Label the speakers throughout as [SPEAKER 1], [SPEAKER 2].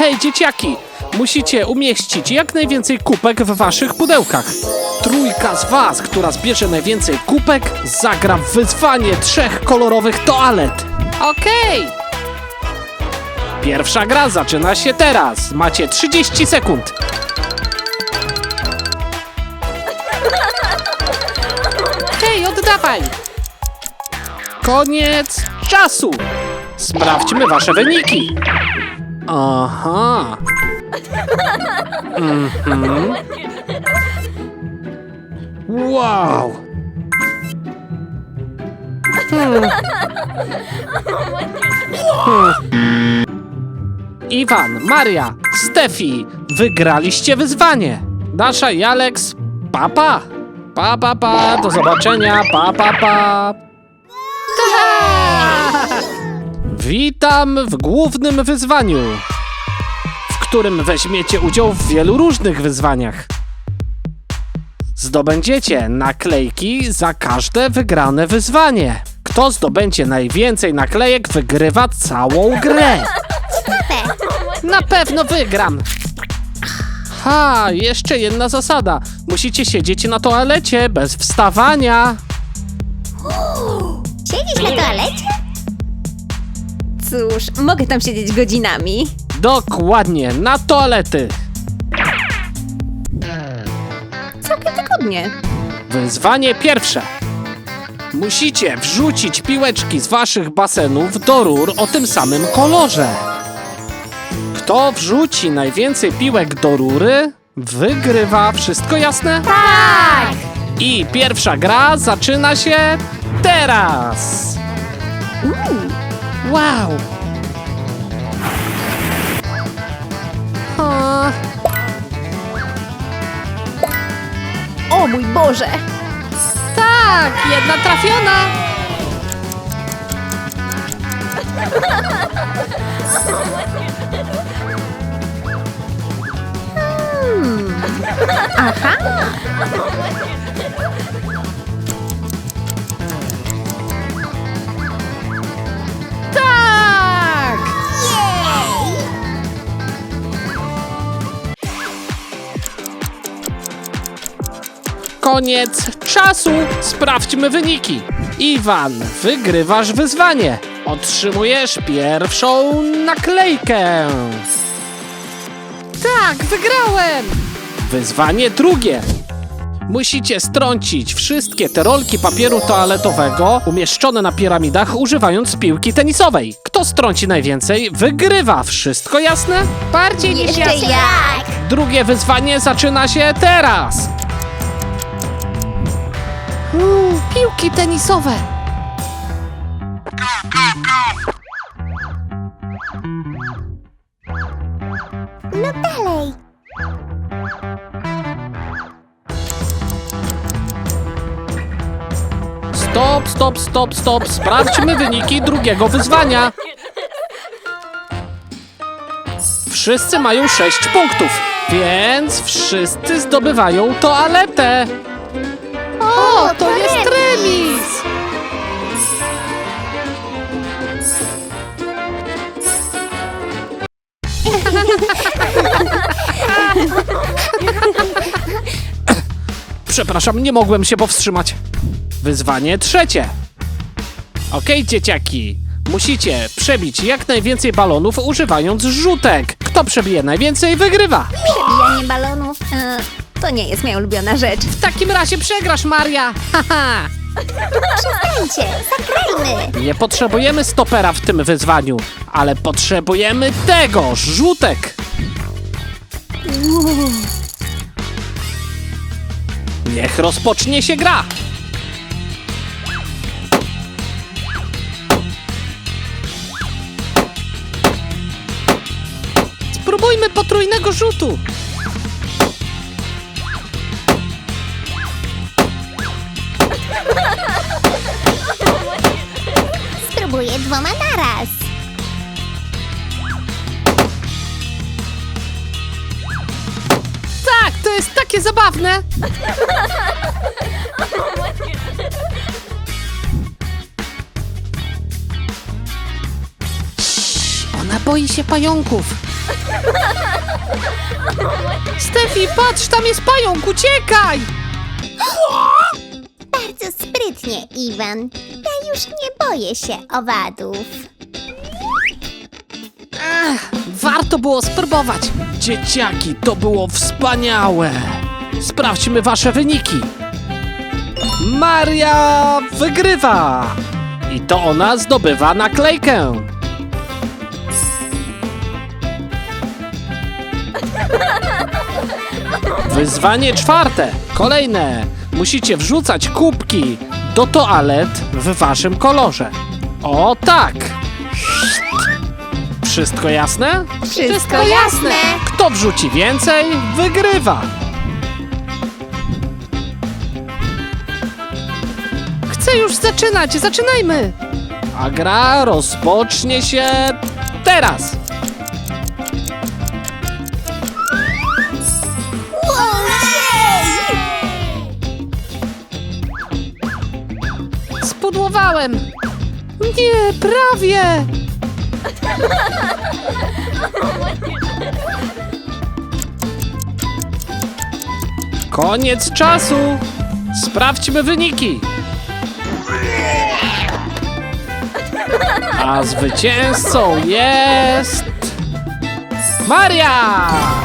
[SPEAKER 1] Hej, dzieciaki! Musicie umieścić jak najwięcej kubek w waszych pudełkach. Trójka z was, która zbierze najwięcej kubek, zagra w wyzwanie 3 kolorowych toalet. Okej! Pierwsza gra zaczyna się teraz. Macie 30 sekund. Hej, oddawaj! Koniec czasu! Sprawdźmy wasze wyniki. Aha. Wow. Iwan, Maria, Stefi, wygraliście wyzwanie. Dasza i Alex, pa. Do zobaczenia, pa. Witam w głównym wyzwaniu, w którym weźmiecie udział w wielu różnych wyzwaniach. Zdobędziecie naklejki za każde wygrane wyzwanie. Kto zdobędzie najwięcej naklejek, wygrywa całą grę. Na pewno wygram. Jeszcze jedna zasada. Musicie siedzieć na toalecie bez wstawania.
[SPEAKER 2] Siedzisz na toalecie?
[SPEAKER 3] Cóż, mogę tam siedzieć godzinami.
[SPEAKER 1] Dokładnie, na toalety.
[SPEAKER 3] Całkiem wygodnie.
[SPEAKER 1] Wyzwanie pierwsze. Musicie wrzucić piłeczki z waszych basenów do rur o tym samym kolorze. Kto wrzuci najwięcej piłek do rury, wygrywa. Wszystko jasne?
[SPEAKER 2] Tak!
[SPEAKER 1] I pierwsza gra zaczyna się teraz. Wow.
[SPEAKER 3] O mój Boże!
[SPEAKER 1] Tak, jedna trafiona.
[SPEAKER 3] Aha!
[SPEAKER 1] Tak! Koniec czasu. Sprawdźmy wyniki. Iwan, wygrywasz wyzwanie. Otrzymujesz pierwszą naklejkę. Tak, wygrałem. Wyzwanie drugie. Musicie strącić wszystkie te rolki papieru toaletowego umieszczone na piramidach, używając piłki tenisowej. Kto strąci najwięcej, wygrywa. Wszystko jasne? Bardziej niż
[SPEAKER 2] Jeszcze
[SPEAKER 1] jasne.
[SPEAKER 2] jak?
[SPEAKER 1] Drugie wyzwanie zaczyna się teraz. Piłki tenisowe.
[SPEAKER 2] No dalej.
[SPEAKER 1] Stop. Sprawdźmy wyniki drugiego wyzwania. Wszyscy mają 6 punktów, więc wszyscy zdobywają toaletę. O, to jest remis! Przepraszam, nie mogłem się powstrzymać. Wyzwanie trzecie. Okej, dzieciaki. Musicie przebić jak najwięcej balonów używając rzutek. Kto przebije najwięcej, wygrywa.
[SPEAKER 2] Przebijanie balonów.
[SPEAKER 3] To nie jest moja ulubiona rzecz.
[SPEAKER 1] W takim razie przegrasz, Maria. Haha.
[SPEAKER 2] Przestańcie, zagrajmy.
[SPEAKER 1] Nie potrzebujemy stopera w tym wyzwaniu, ale potrzebujemy tego, rzutek. Niech rozpocznie się gra. Spróbujmy potrójnego rzutu.
[SPEAKER 2] Spróbuję 2 naraz.
[SPEAKER 1] Tak, to jest takie zabawne. Ona boi się pająków. Stefi, patrz, tam jest pająk, uciekaj!
[SPEAKER 2] Bardzo sprytnie, Iwan. Ja już nie boję się owadów.
[SPEAKER 1] Warto było spróbować. Dzieciaki, to było wspaniałe. Sprawdźmy wasze wyniki. Maria wygrywa. I to ona zdobywa naklejkę. Wyzwanie czwarte. Kolejne. Musicie wrzucać kubki do toalet w waszym kolorze. O tak. Wszystko jasne?
[SPEAKER 3] Wszystko jasne.
[SPEAKER 1] Kto wrzuci więcej, wygrywa. Chcę już zaczynać, zaczynajmy. A gra rozpocznie się teraz. Spudłowałem. Nie, prawie. Koniec czasu. Sprawdźmy wyniki. A zwycięzcą jest... Maria!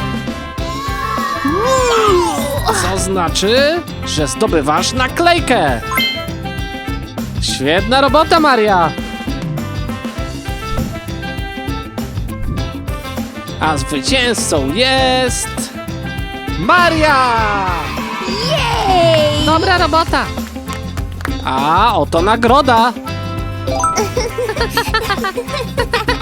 [SPEAKER 1] Co znaczy, że zdobywasz naklejkę. Świetna robota, Maria! A zwycięzcą jest... Maria!
[SPEAKER 3] Jej!
[SPEAKER 1] Dobra robota! A oto nagroda!